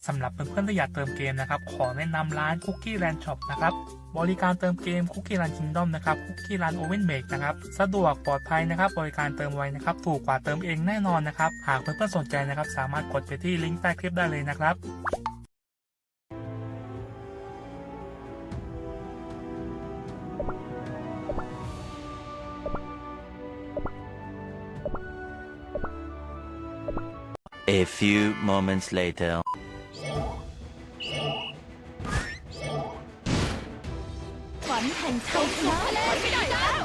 สำหรับเพื่อนๆที่อยากเติมเกมนะครับขอแนะนำร้าน Cookie Land Shop นะครับบริการเติมเกม Cookie Land Kingdom นะครับ Cookie Land Oven Make นะครับสะดวกปลอดภัยนะครับบริการเติมไวนะครับถูกกว่าเติมเองแน่นอนนะครับหากเพื่อนๆสนใจนะครับสามารถกดไปที่ลิงก์ใต้คลิปได้เลยนะครับ A few moments later. ฝันแห่งชัยชนะไม่ได้แล้ว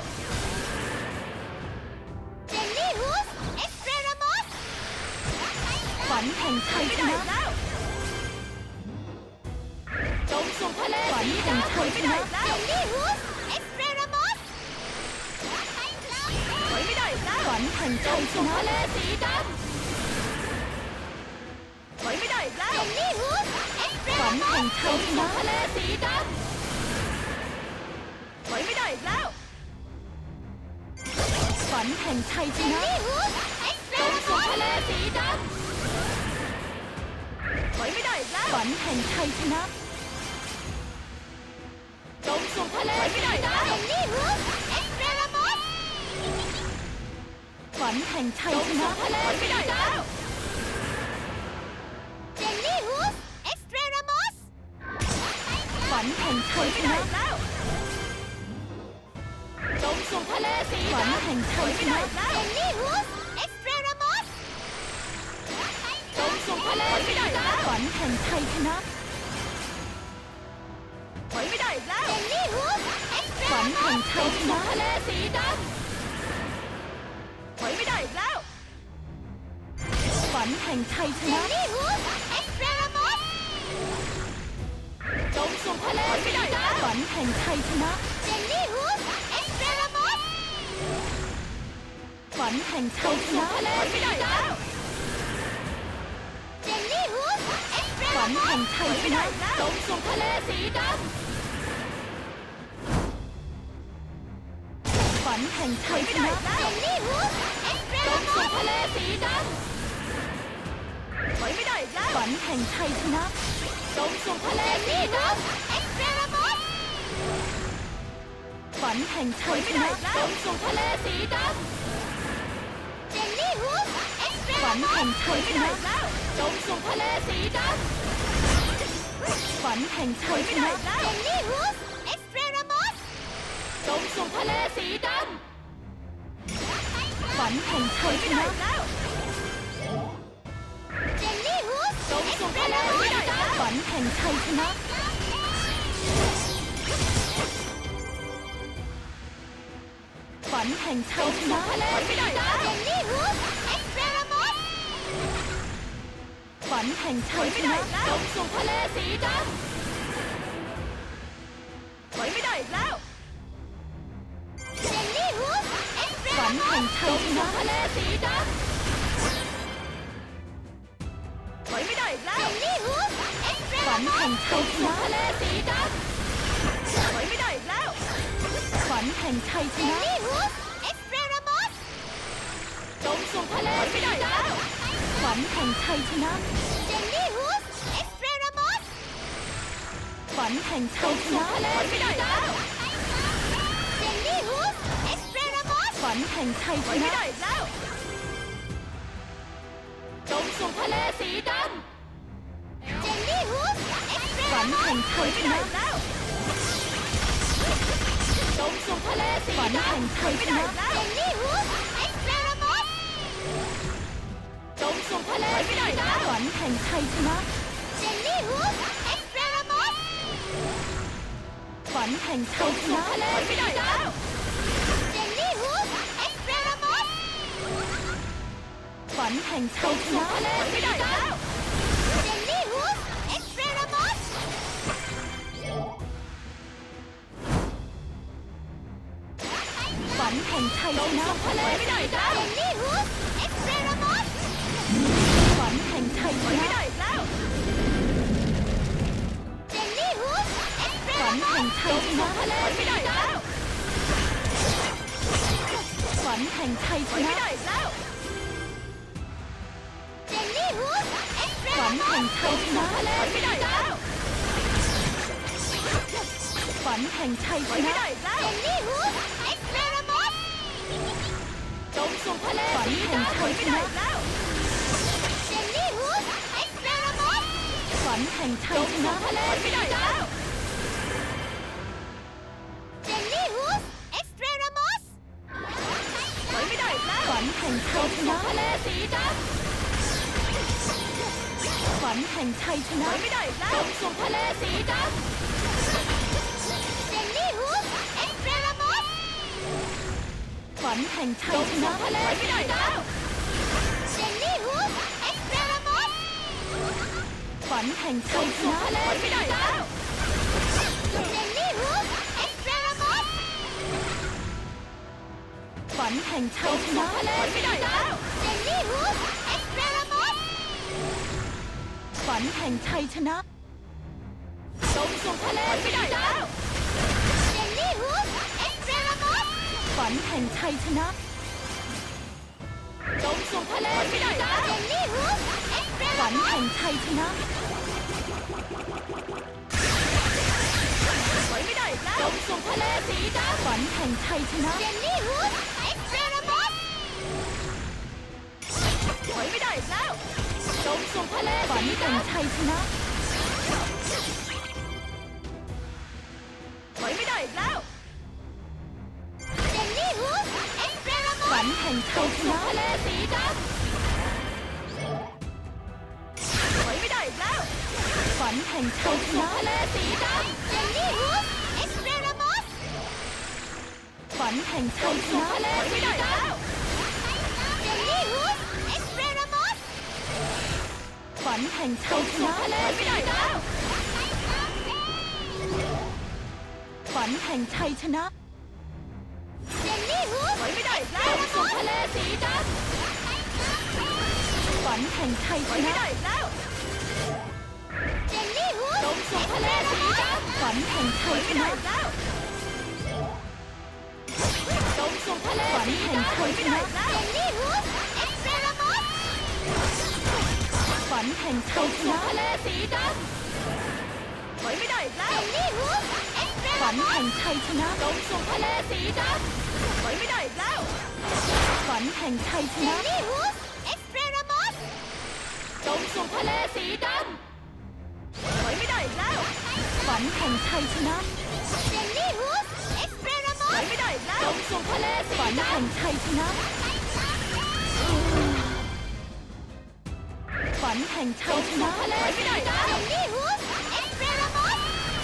เจลลี่ฮูสเอ็กซ์เรรามอสฝันแห่งชัยชนะจงสู่ทะเลฝันแห่งชัยชนะเจลลี่ฮูสเอ็กซ์เรรามอสถอยไม่ได้แล้วฝันแห่งชัยชนะทะเลสีดำถอยไม่ได้แล้วเจลลี่ฮูสเอ็กซ์เรรามอสฝันแห่งชัยชนะทะเลสีดำถอยไม่ได้อีกแล้วฝันแห่งชัยชนะจงสู่ทะเลสีดำถอยไม่ได้อีกแล้วฝันแห่งชัยชนะจงสู่ทะเลสีดำฝันแห่งชัยชนะทะเลสีดำเจลลี่ฮูสเอ็กซ์เรรามอสฝันแห่งชัยชนะจงสู่ทะเลสีดำฝันแห่งชัยชนะเจลลี่ฮูสเอ็กซ์เรรามอสจงสู่ทะเลสีดำฝันแห่งชัยชนะถอยไม่ได้อีกแล้วเจลลี่ฮูสเอ็กซ์เรรามอสฝันแห่งชัยชนะทะเลสีดำถอยไม่ได้อีกแล้วฝันแห่งชัยชนะเจลลี่ฮูสเอ็กซ์เรรามอสจงสู่ทะเลสีดำฝันแห่งชัยชนะเจลลี่ฮูสฝันแห่งชัยชนะทะเลสีดำเจลลี่ฮูสฝันแห่งชัยชนะจงสู่ทะเลสีดำฝันแห่งชัยชนะเจลลี่ฮูสจงสู่ทะเลสีดำถอยไม่ได้อีกแล้วฝันแห่งชัยชนะจงสู่ทะเลสีดำฝันแห่งชัยชนะจงสู่ทะเลสีดำเจลลี่ฮูสฝันแห่งชัยชนะจงสู่ทะเลสีดำฝันแห่งชัยชนะเจลลี่ฮูสเอ็กซ์เรรามอสจงสู่ทะเลสีดำฝันแห่งชัยชนะเจลลี่ฮูสจงสู่ทะเลสีดำฝันแห่งชัยชนะฝันแห่งชัยชนะทะเลสีดำเจลลี่ฮูสเอ็กซ์เรรามอสฝันแห่งชัยชนะจงสู่ทะเลสีดำถอยไม่ได้อีกแล้วเจลลี่ฮูสฝันแห่งชัยชนะทะเลสีดำถอยไม่ได้อีกแล้วเจลลี่ฮูสฝันแห่งชัยชนะทะเลสีดำถอยไม่ได้อีกแล้วฝันแห่งชัยชนะจงสู่ทะเลสีดำฝันแห่งชัยชนะเจลลี่ฮูสเอ็กซ์เรรามอสฝันแห่งชัยชนะทะเลสีดำเจลลี่ฮูสเอ็กซ์เรรามอสฝันแห่งชัยชนะจงสู่ทะเลสีดำเจลลี่ฮูสฝันแห่งชัยชนะจงสู่ทะเลสีดำฝันแห่งชัยชนะเจลลี่ฮูสจงสู่ทะเลสีดำฝันแห่งชัยชนะเจลลี่ฮูสเอ็กซ์เรรามอสฝันแห่งชัยชนะทะเลสีดำเจลลี่ฮูสเอ็กซ์เรรามอสฝันแห่งชัยชนะทะเลสีดำเจลลี่ฮูสเอ็กซ์เรรามอสฝันแห่งชัยชนะทะเลสีดำเจลลี่ฮูสเอ็กซ์เรรามอสฝันแห่งชัยชนะเจลลี่ฮูสฝันแห่งชัยชนะทะเลสีดำฝันแห่งชัยชนะเจลลี่ฮูสฝันฝันแห่งชัยชนะทะเลไม่ได้แล้วฝันแห่งชัยชนะเจนนี่ฮูสเอ็กซ์เพรมอสจงสู่ทะเลฝันแห่งชัยชนะเจนนี่ฮูสเอ็กซ์เพรมอสฝันแห่งชัยชนะทะเลไม่ได้แล้วเจนนี่ฮูสเอ็กซ์เพรมอสไม่ได้แล้วฝันแห่งชัยชนะทะเลสีดำฝันแห่งชัยชนะไม่ได้แล้วจงสู่ทะเลสีดำเจนนี่ฮูสเอ็กซ์เพรมอสฝันแห่งชัยชนะทะเลไม่ได้แล้วเจนนี่ฮูสเอ็กซ์เพรมอสฝันแห่งชัยชนะทะเลไม่ได้แล้วเจนนี่ฮูสเอ็กซ์เพรมอสฝันแห่งชัยชนะทะเลไม่ได้แล้วเจนนี่ฮูสเอ็กซ์เพรมอสฝันแห่งชัยชนะจงสู่ทะเลไม่ได้แล้วเจนนี่ฮูสเอ็กซ์เพรมอสฝันแห่งชัยชนะจงสู่ทะเลไม่ได้แล้วเจนนี่ฮูสเอ็กซ์เพรมอสฝันแห่งชัยชนะถอยไม่ได้แล้วจงสู่ทะเลสีดำฝันแห่งชัยชนะเจนนี่ฮูสเอ็กซ์เพรมอสถอยไม่ได้แล้วจงสู่ทะเลฝันแห่งชัยชนะถอยไม่ได้แล้วเจนนี่ฮูสเอ็กซ์เพรมอสฝันแห่งชัยชนะทะเลสีดำถอยไม่ได้แล้วฝันแห่งชัยชนะทะเลสีดำเจนนี่ฮูสเอ็กซ์เพรมอสฝันแห่งชัยชนะทะเลสีดำเจนนี่ฮูสเอ็กซ์เพรมอสฝันแห่งชัยชนะทะเลไม่ได้แล้วฝันแห่งชัยชนะเจนนี่ฮูสไม่ได้แล้วสู่ทะเลสีดำฝันแห่งชัยชนะไม่ได้แล้วเจนนี่ฮูสสู่ทะเลสีดำฝันแห่งชัยชนะจงสู่ทะเลฝันแห่งชัยชนะเจนนี่ฮูสเอ็กซ์เพรมอสฝันแห่งชัยชนะทะเลสีดำถอยไม่ได้แล้วเจนนี่ฮูสเอ็กซ์เพรมอสฝันแห่งชัยชนะจงสู่ทะเลสีดำถอยไม่ได้แล้วฝันแห่งชัยชนะเจนนี่ฮูสเอ็กซ์เพรมอสจงสู่ทะเลสีดำถอยไม่ได้แล้วฝันแห่งชัยชนะเจนนี่ฮูสเอ็กซ์เพรมอสถอยไม่ได้แล้วจงสู่ทะเลสีดำฝันแห่งชัยชนะฝันแห่งชัยชนะทะเลไม่ได้แล้วเจนนี่ฮูสเอ็กซ์เพรมอส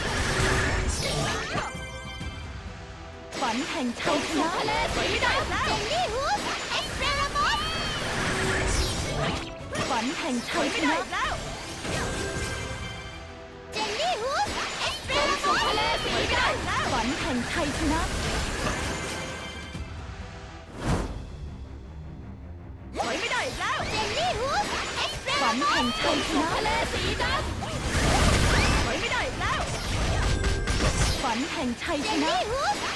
ฝันแห่งชัยชนะทะเลสีดำเจนนี่ฮูสเอ็กซ์เพรมอสฝันแห่งชัยชนะเจนนี่ฮูสเอ็กซ์เพรมอสทะเลสีดำฝันแห่งชัยชนะถอยไม่ได้แล้วเจนนี่ฮูสเอ็กซ์เพรมอสฝันแห่งชัยชนะทะเลสีดำถอยไม่ได้แล้วฝันแห่งชัยชนะเจนนี่ฮูส